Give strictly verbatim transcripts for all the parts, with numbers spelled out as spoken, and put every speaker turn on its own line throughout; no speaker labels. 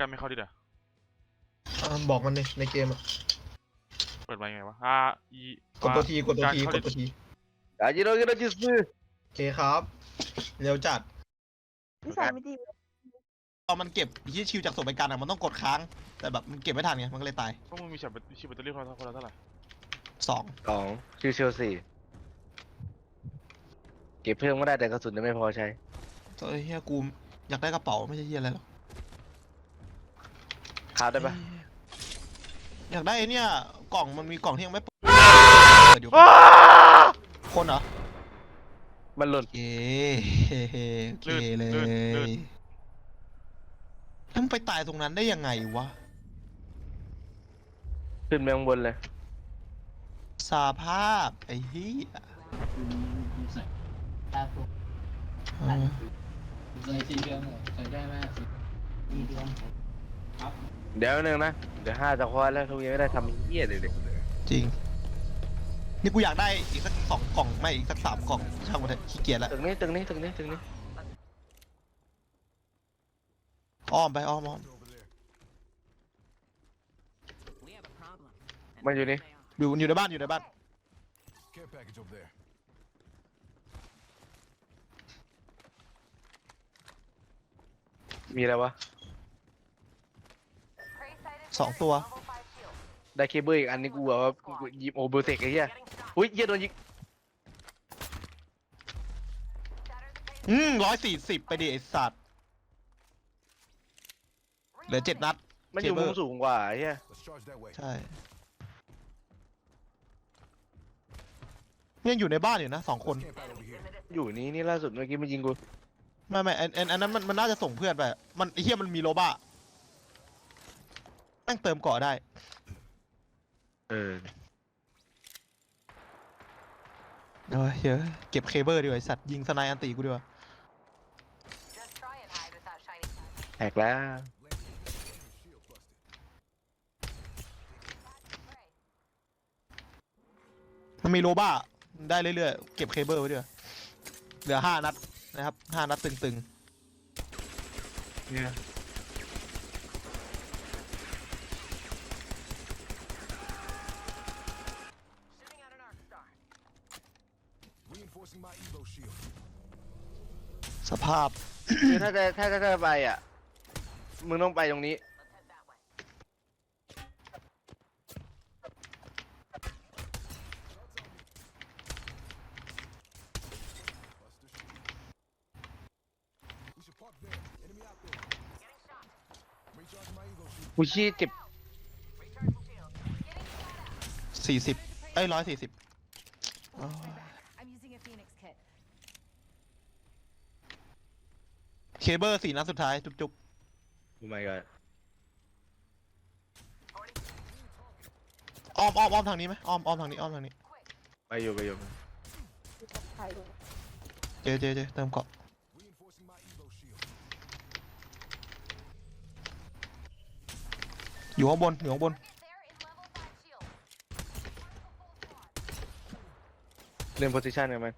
กันไม่เข้าดิเด้อ
บอกมันในในเกมอะ
เปิดไปไงวะอ่าอี
กดตัวทีกดตัวทีกดตัวที
อาจิโร่กิโรจิสึ
โอเคครับเร็วจัด
นิสัยไม่ดี
ตอนมันเก็บที่ชิวจากศพไปกันอะมันต้องกดค้างแต่แบบมันเก็บไม่ทันไงมันก็เลยตาย
พวกมึงมีชิปชิปแบตเตอรี่คนละคนละเท่าไหร่
สอง
สองชิวเชลสี่เก็บเพิ่มก็ได้แต่กระสุนจะไม่พอใช้
ตัวเฮียกูอยากได้กระเป๋าไม่ใช่เฮียอะไรหรอก
คราฟได้ปะ
อยากได้เนี่ยกล่องมันมีกล่องที่ยังไม่เปิดอยู่คนเหรอ
มันหล่น
เย้โอเคเลยแล้วมึงไปตายตรงนั้นได้ยังไงวะ
ขึ้นไปข้างบนเลย
สาภาพไอ้เหี้ย
เดี๋ยวนึงนะเดี๋ยวห้าจะคว้าแล้วทุกยังไม่ได้ทำเหี้ยเลยเลย
จริงนี่กูอยากได้อีกสักสองกล่องไม่อีกสักสามกล่องช่างมันเถอะขี้เกียจแล้ว
ตึกนี้ตึกนี้ตึกนี้ตึกนี้
อ้อมไปอ้อมอ้อม
มันอยู่นี่
อยู่อยู่ในบ้านอยู่ในบ้าน
มีอะไรวะ
สองตัว
ได้เคเบิลอีกอันนี้กูแบบว่ายิบโอเบอร์เทคไอ้เหี้ยอุ้ยเหี้ยโดนยิง
อืมร้อยสี่สิบไปดิไอสัตว์เหลือเจ็ดนัด
มันอยู่มุมสูงกว่าไอ้เหี้ย
ใช่ยังอยู่ในบ้านอยู่นะสองคน
อยู่นี่นี่ล่าสุดเมื่อกี้มันยิงกู
ไม่ไม่อันอันนั้นมันมันน่าจะส่งเพื่อนไปมันไอ้เหี้ยมันมีโลบ้าแม่งเติมเกาะได้
เออ
เฮ้ยเยอะเก็บเคเบิลดีกว่าไอสัตว์ยิงสไนอันตีกูดีกว่า
แหกแล้ว
มันมีโลบ้าได้เรื่อยๆเก็บเคเบิลไว้ด้วยเหลือห้านัดนะครับห้านัดตึงๆเนี่ยสภาพ
คือถ้าจะถ้าจะไปอ่ะมึงต้องไปตรงนี้กูชี้เก็บ
สี่สิบไอ้ร้อยสี่สิบเคเบิลสี่นัดสุดท้ายจุก
ๆโอ้ my god
อ้อมอ้อมอ้อมทางนี้ไหมอ้อมอ้อมทางนี้อ้อมทางนี้
ไปอยู่ไปอยู่
เจเจเจเติมเกาะอยู่ข้างบนอยู่ข้างบน
เล่นโพซิชันกันไหม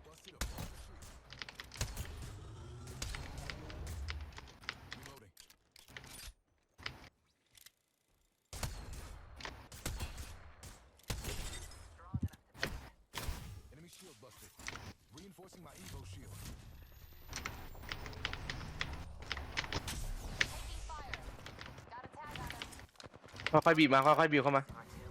ค่อยๆบีบมาค่อยๆบีบเข้ามา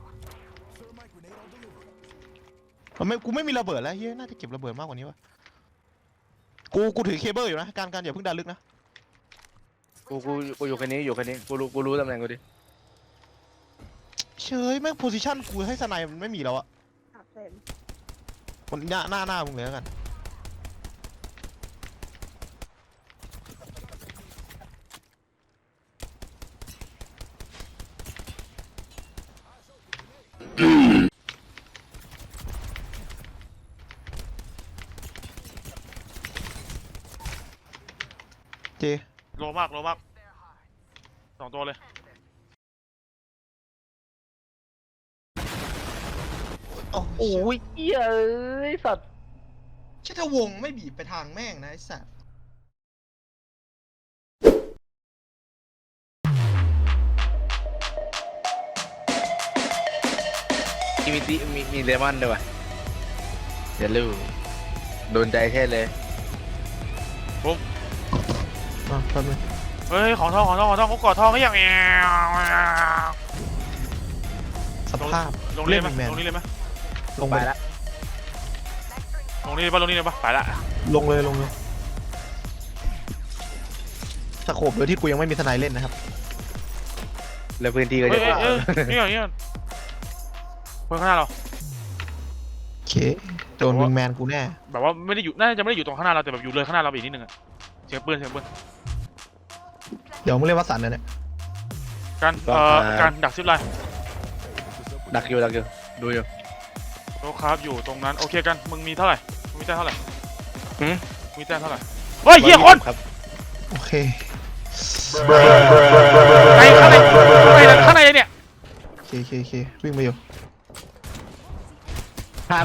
ไม่กูไม่มีระเบิดแล้วเฮ้ยน่าจะเก็บระเบิดมากกว่านี้วะกูกูถือเคเบิลอยู่นะการการอย่าเพิ่งดันลึกนะ
กูกูกูอยู่แค่นี้อยู่แค่นี้กูรู้กูรู้ตำแหน่งกูดิ
เชยแม่งโพซิชันกูให้สไนมันไม่มีแล้วอะคนหน้าหน้าหน้ามึงเลยแล้วกันเจ
โลมากโลมากสองตัวเลย
โอ้ยเหี้ยเอ้ยสัตว์
ใช่ถ้าวงไม่บีบไปทางแม่งนะไอ้สัตว์
มีมีติมีมีเลมอนด้วยวะเดี๋ยวลูโดนใจแท้เลย
อ่ะแป๊บนึง
เฮ้ยของทองของทองของทองกูกอดทองไม่อยากแอว
สภาพ
ลงนี่เลยไหม
แมน
ลงนี่เลยไหม
ลง
ไป
ไป
ละ
ลงนี่เลยปะลงนี่เลยปะไปละ
ลงเลยลงเลยสโคบโดยที่กูยังไม่มีทนายเล่นนะครับ
แล้วพื้นที่ก็
เฮ้
จะ
ยเอ้ยเอ้ยนี่ก่อนนี่ก่อนคนข้างหน้าเรา
โอเคโดนวิงแมนกูแน่
แบบว่าไม่ได้อยู่น่าจะไม่ได้อยู่ตรงข้างหน้าเราแต่แบบอยู่เลยข้างหน้าเราไปอีกนิดนึงอะเสียงปืนเสียงปืน
เดี๋ยวมึงเล่นวัดสันนะเนี่ย
การเอ่อการดักซิปไลน์
ดักอยู่ดักอยู่ดูอยู่
โต๊ะครับอยู่ตรงนั้นโอเคกันมึงมีเท่าไหร่มึงมีแต้มเท่าไหร่
หืม
มีแต้มเท่าไหร่เฮ้ยเหี้ยคน
ครับ
โอเค
ในข้างในข้างในข้างในเนี่ย
โอเคโอเคโอเควิ่งไปอยู่
ห้า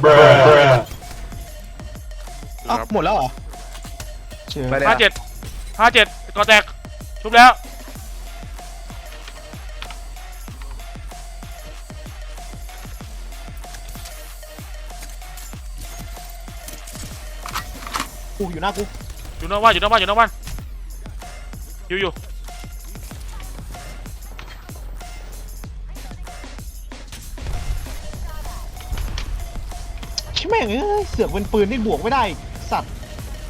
อ้าวหมดแล้วเหรอเชื่อ
ไปเลย
ห้าเจ็ดห้าเจ็ดก่อแตกชุบแล้ว
กูอยู่หน้ากู
อยู่นอกบ้านอยู่นอกบ้านอยู่นอกบ้านอยู่อยู่
ชิแม่งเอ้ยเสือกเป็นปืนที่บวกไม่ได้สัตว์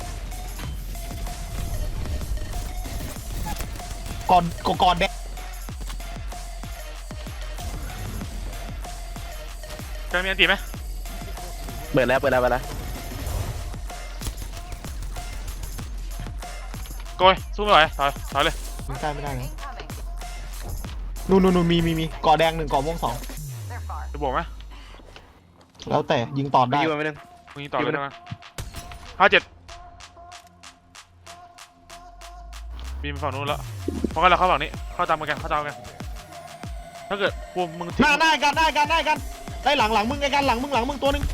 ก่อนก่อนก่อนแดง
การมีอันตีไหม
เปิดแล้วเปิดแล้วเปิดแล้ว
โกยสู้ไม่ไหวถอยถอยเลย
ยิงใกล้ไม่ได้นะนู่นนู่นนู่นมีมีมีก่อแดงหนึ่งก่อม่วงสอง
จะบวกไหม
แล้วแต่ยิงต่อ
ไป
ได้
อยู่มาไม่นึง
มึงยิงต่อเลยนะห้าเจ็ดบีมไปฝั่งนู้นแล้วเพราะงั้นเราเข้าฝั่งนี้เข้าตามกันเข้าตามกันถ้าเกิดพวกมึง
ห
ทิ้ง
น้าหน้ากันหน้ากันหน้ากันได้หลังหลังมึงไอ้กันหลังมึงหลังมึงตัวหนึง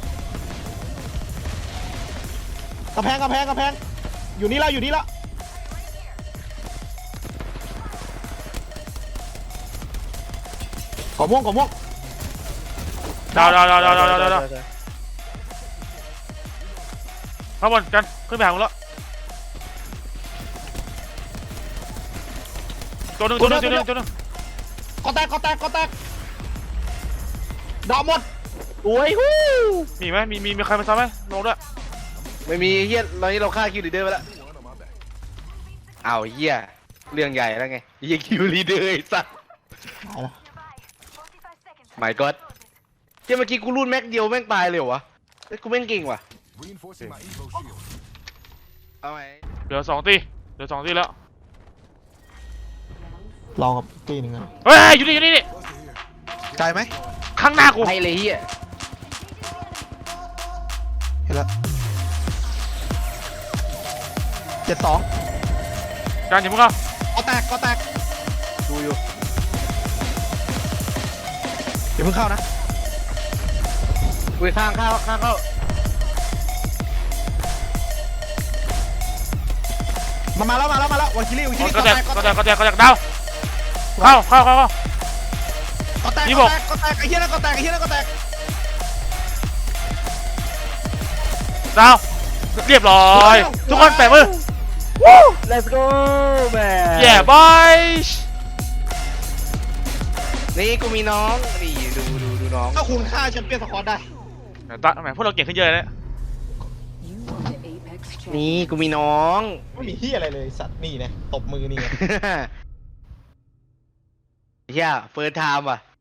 กระแพงกระแพงกระแพงอยู่นี่แล้วอยู่นี่แล้วก่อม่วงก่อม่วง
ดาวดาวดาวดาวดาวดาวดาวข้างบนกันขึ้นไปหามึงแล้วตัวหนึ่งตัวหนึ่งตัวหนึ่งตัวหนึ่ง
ก่อแตกก่อแตกก่อแตกดาวหมด
โอ้ยฮู้
มีไหมมีมีมีใครมาซ้ำไหมลงด้วย
ไม่มีเฮียตอนนี้เราฆ่าคิวลีเดอร์ไปแล้วอ้าวเฮียเรื่องใหญ่แล้วไงเฮียคิวลีเดอร์ไอ้สัส
เอาละ
ไม่ก็เฮียเมื่อกี้กูรูดแม็กเดียวแม่งตายเลยเหรอวะเฮ้ยกูแม่งเก่งว่ะ
Reinforcing my Evo shield.
เอาไหม
เหลือสองตีเหลือสองตีแล้ว
รอกับตีหนึ่งนะ
เฮ้ยอยู่นี่อยู่นี่นี่
ไกลไหม
ข้างหน้ากู
ไปเลยเฮีย
เห็นแล้วเจ็ดสอง
การอย่ามึงเข้า
ก่อแตกก่อแตก
ดูอยู่
อย่าเพิ่งเข้านะ
อุ้ยข้างเข้าข้างเข้า
มามาแล้วมาแล้วมาแล้ววาคิลี่วาคิลี่
ก็
ก่อ
แต
แต
ก
กก่อ
ก็
แต
แต
ก
กก็แตกก็แตกดาวเข้าเข้าเข้าเข้า
ก่อแตก
ยี่
ก่
สิ
อบ แตกก่อแตกไอ้เหี้ยนั่นก่อแตกไอ้เหี้ยนั่นก่อแตก
ดาวเรียบร้อยทุกคนแปะมือวู้
let's go แม่
แย่บอย
นี่กูมีน้องนี่ดูดูดูน้อง
ถ้าคุณฆ่าแชมเปี้ยนสควอตได้
ตาแหมพวกเราเก่งขึ้นเยอะเลย
นี่กูมีน้อง
ไม่มีเหี้ยอะไรเลยสัตว์นี่นะตบมือนี่ไง
เฮียเฟิร์สไทม์ว่ะ